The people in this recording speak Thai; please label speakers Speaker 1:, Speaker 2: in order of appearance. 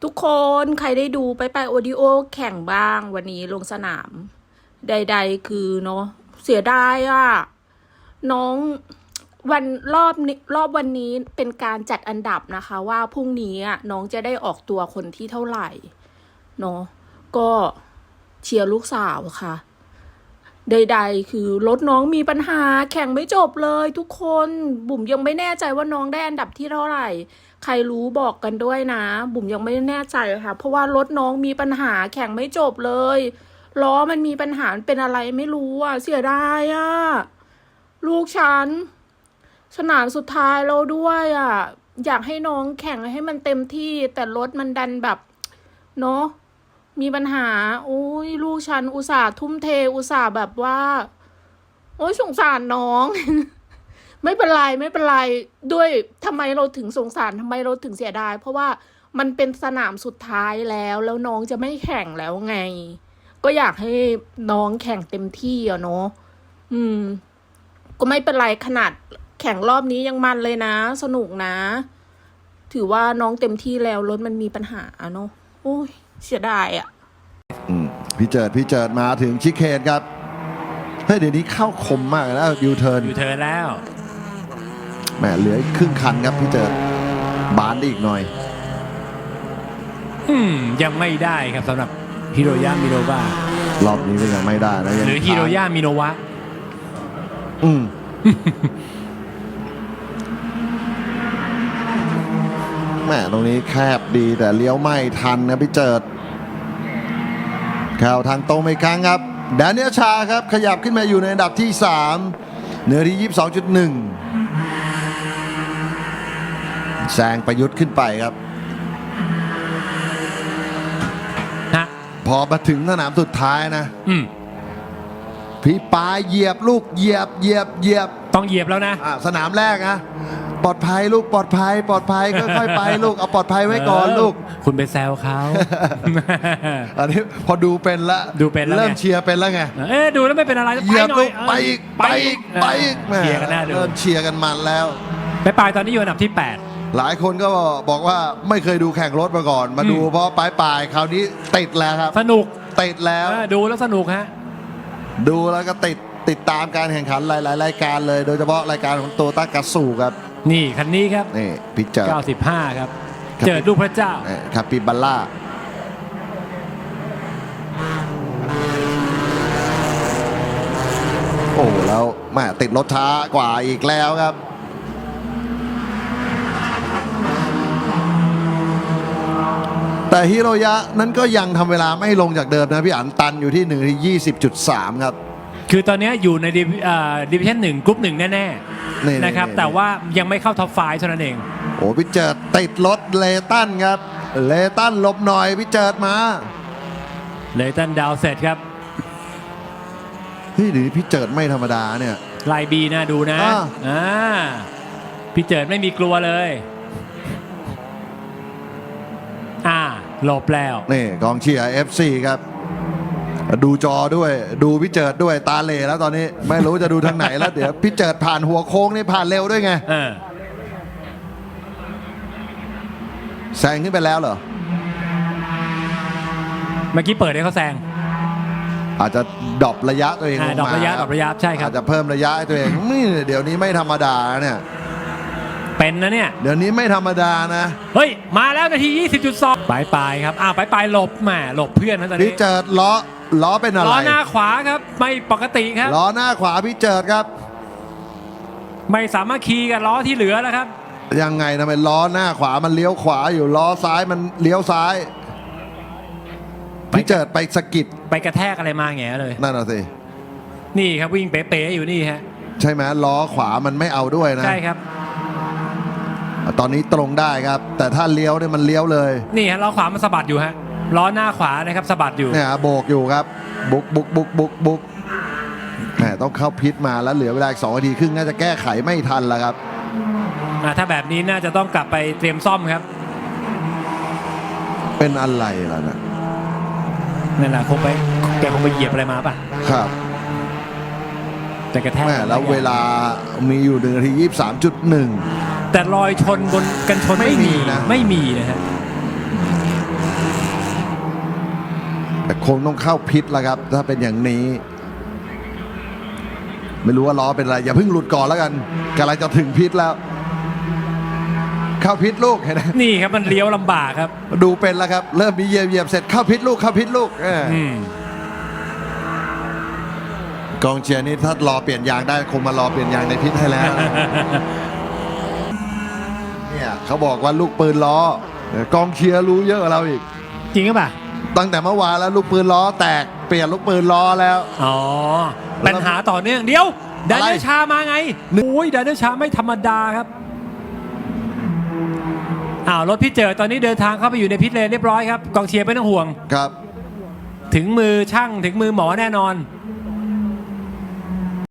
Speaker 1: ทุกคนใครได้ดูไปโอดิโอแข่งบ้างวันนี้ลงสนาม ใดๆคือเนาะเสียดายอ่ะน้องรอบวันนี้เป็นการจัดอันดับนะคะว่าพรุ่งนี้อ่ะน้องจะได้ออกตัวคนที่เท่าไหร่เนาะก็เชียร์ลูกสาวค่ะใดๆคือรถน้องมีปัญหาแข่งไม่จบเลยทุกคนบุ๋มยังไม่แน่ใจว่าน้องได้อันดับที่เท่าไหร่ใครรู้บอกกันด้วยนะบุ๋มยังไม่แน่ใจค่ะเพราะว่ารถน้องมีปัญหาแข่งไม่จบเลยล้อมันมีปัญหาเป็นอะไรไม่รู้อ่ะเสียดายอ่ะลูกฉันสนามสุดท้ายแล้วด้วยอ่ะอยากให้น้องแข่งให้มันเต็มที่แต่รถมันดันแบบเนาะมีปัญหาโอ้ยลูกฉันอุตส่าห์ทุ่มเทอุตส่าห์แบบว่าโอ้ยสงสารน้อง ไม่เป็นไรด้วยทำไมเราถึงสงสารทำไมเราถึงเสียดายเพราะว่ามันเป็นสนามสุดท้ายแล้วน้องจะไม่แข่งแล้วไงก็อยากให้น้องแข่งเต็มที่อะเนาะก็ไม่เป็นไรขนาดแข่งรอบนี้ยังมันเลยนะสนุกนะถือว่าน้องเต็มที่แล้วรถมันมีปัญหาเนาะโอ้ยเสียดายอ่ะ
Speaker 2: พี่เจิดมาถึงชิคเคนครับเฮ้ยเดี๋ยวนี้เข้าคมมากแล้วยูเทิร์น
Speaker 3: แล้ว
Speaker 2: แหมเหลือครึ่งคันครับพี่เจิดบานได้อีกหน่อย
Speaker 3: ยังไม่ได้ครับสำหรับฮิโรยะมิโนวะ
Speaker 2: รอบนี้ก็ยังไม่ได้นะ
Speaker 3: หรือฮิโรยะมิโนวะ
Speaker 2: แหมตรงนี้แคบดีแต่เลี้ยวไม่ทันนะพี่เจิดแข่าวทางตรงอีกครั้งครับแดเนียลชาครับขยับขึ้นมาอยู่ในอันดับที่3เนื้อที่ 22.1 แซงประยุทธ์ขึ้นไปครับพอมาถึงสนามสุดท้ายนะพี่ปาเหยียบลูกเหยียบ
Speaker 3: ต้องเหยียบแล้วนะ
Speaker 2: สนามแรกนะปลอดภัยลูกปลอดภัยค่อยๆไปลูกเอาปลอดภัยไว้ก่อนลูก
Speaker 3: คุณไปแซวเขา
Speaker 2: อันนี้พอดูเป็นละเริ่มเชียร์เป็นแล้วไง
Speaker 3: ดูแล้วไม่เป็นอะไร
Speaker 2: เหยียบลูกไปอีก
Speaker 3: เชียร์กันหน้าดู
Speaker 2: เริ่มเชียร์กันมันแล้ว
Speaker 3: ไปตอนนี้อยู่อันดับที่8
Speaker 2: หลายคนก็บอกว่าไม่เคยดูแข่งรถมาก่อนมาดูเพราะปลายคราวนี้ติดแล้วครับ
Speaker 3: สนุก
Speaker 2: ติดแล้ว
Speaker 3: ดูแล้วสนุกฮะ
Speaker 2: ดูแล้วก็ติดตามการแข่งขันหลายรายการเลยโดยเฉพาะรายการของโตต้ากาสูครับ
Speaker 3: นี่คันนี้ครับ
Speaker 2: นี่พิจาร
Speaker 3: 95ครับเจอลูกพระเจ้า
Speaker 2: คาปิบัลล่าโอ้แล้วแม่ติดรถช้ากว่าอีกแล้วครับแต่ฮิโรยะนั้นก็ยังทำเวลาไม่ลงจากเดิมนะพี่อั๋นตันอยู่ที่1 ที่ 20.3 ครับ
Speaker 3: คือตอนนี้อยู่ในดิวิชั่น1กรุ๊ป1แน่ๆนะครับแต่ว่ายังไม่เข้าท็อป5เท่านั้นเอง
Speaker 2: โอ้พี่เจิดติดรถเลตันครับเลตันหลบหน่อยพี่เจิดมา
Speaker 3: เลตันดาวเสร็จครับ
Speaker 2: เฮ้ยหรือพี่เจิดไม่ธรรมดาเนี่ย
Speaker 3: ไลบีนะดูนะพี่เจิดไม่มีกลัวเลยหลบแล้ว
Speaker 2: นี่กองเชียร์ FC ครับดูจอด้วยดูพี่เจิดด้วยตาเหล่แล้วตอนนี้ไม่รู้จะดูทางไหนแล้วเดี๋ยวพี่เจิดผ่านหัวโค้งนี่ผ่านเร็วด้วยไงแซงขึ้นไปแล้วเหรอ
Speaker 3: เมื่อกี้เปิดให้เขาแซง
Speaker 2: อาจจะดรอประยะตัวเอง
Speaker 3: ดรอประยะใช่ครับ
Speaker 2: อาจจะเพิ่มระยะให้ตัวเองเดี๋ยวนี้ไม่ธรรมดาเนี่ย
Speaker 3: เป็นนะเนี่ย
Speaker 2: เดี๋ยวนี้ไม่ธรรมดานะ
Speaker 3: เฮ้ยมาแล้วนาที 20.2 ปลายครับปลายหลบแหมหลบเพื่อนนะตอนนี้
Speaker 2: พี่เจิดล้อเป็นอะไร
Speaker 3: ล้อหน้าขวาครับไม่ปกติครับ
Speaker 2: ล้อหน้าขวาพี่เจิดครับ
Speaker 3: ไม่สามารถขี่กับล้อที่เหลือแล้วครับ
Speaker 2: ยังไงทำไมล้อหน้าขวามันเลี้ยวขวาอยู่ล้อซ้ายมันเลี้ยวซ้ายพี่เจิดไปสะกิด
Speaker 3: ไปกระแทกอะไรมาแง่เลย
Speaker 2: นั่นน่ะสิ
Speaker 3: นี่ครับวิ่งเป๋ๆอยู่นี่ฮะ
Speaker 2: ใช่ไหมล้อขวามันไม่เอาด้วยนะ
Speaker 3: ใช่ครับ
Speaker 2: ตอนนี้ตรงได้ครับแต่ถ้าเลี้ยวเนี่ยมันเลี้ยวเลย
Speaker 3: นี่ฮะล้อขวามันสะบัดอยู่ฮะล้อหน้าขวานะครับสะบัดอยู่
Speaker 2: เนี่ยโบกอยู่ครับบุกแหมต้องเข้าพิษมาแล้วเหลือเวลาอีก2 นาทีครึ่งน่าจะแก้ไขไม่ทันแล้วครับ
Speaker 3: ถ้าแบบนี้น่าจะต้องกลับไปเตรียมซ่อมครับ
Speaker 2: เป็นอะไรล่ะนะ
Speaker 3: นั่นแหละแกคงไปเหยียบอะไรมาป่ะ
Speaker 2: ครับ
Speaker 3: แต่กระแทก
Speaker 2: แล้วเวลามีอยู่1 นาที 23.1
Speaker 3: แต่รอยชนบนกันชนไม่มีนะฮะ
Speaker 2: งต้องเข้าพิษแล้วครับถ้าเป็นอย่างนี้ ไม่รู้ว่าล้อเป็นอะไรอย่าเพิ่งหลุดก่อนแล้วกันกำลังจะถึงพิษแล้ว เข้าพิษลูกเห็นไหม
Speaker 3: นี่ครับมันเลี้ยวลำบากครับ
Speaker 2: ดูเป็นแล้วครับ เริ่มมีเหยียบเสร็จเข้าพิษลูกเข้าพิษลูกกองเชียร์นี่ถ้ารอเปลี่ยนยางได้คงมารอเปลี่ยนยางในพิษให้แล้ว เนี่ยเขาบอกว่าลูกปืนล้อกองเชียร์รู้เยอะกว่าเราอีก
Speaker 3: จริงหรือเปล่า
Speaker 2: ตั้งแต่เมื่อวานแล้วลูกปืนล้อแตกเปลี่ยนลูกปืนล้อแล้ว
Speaker 3: อ๋อปัญหาต่อเนื่องเดี๋ยวดานิเอลชามาไงโอ้ยดานิเอลชาไม่ธรรมดาครับรถพี่เจอตอนนี้เดินทางเข้าไปอยู่ในพิทเลนเรียบร้อยครับกองเชียร์ไม่ต้องห่วง
Speaker 2: ครับ
Speaker 3: ถึงมือช่างถึงมือหมอแน่นอน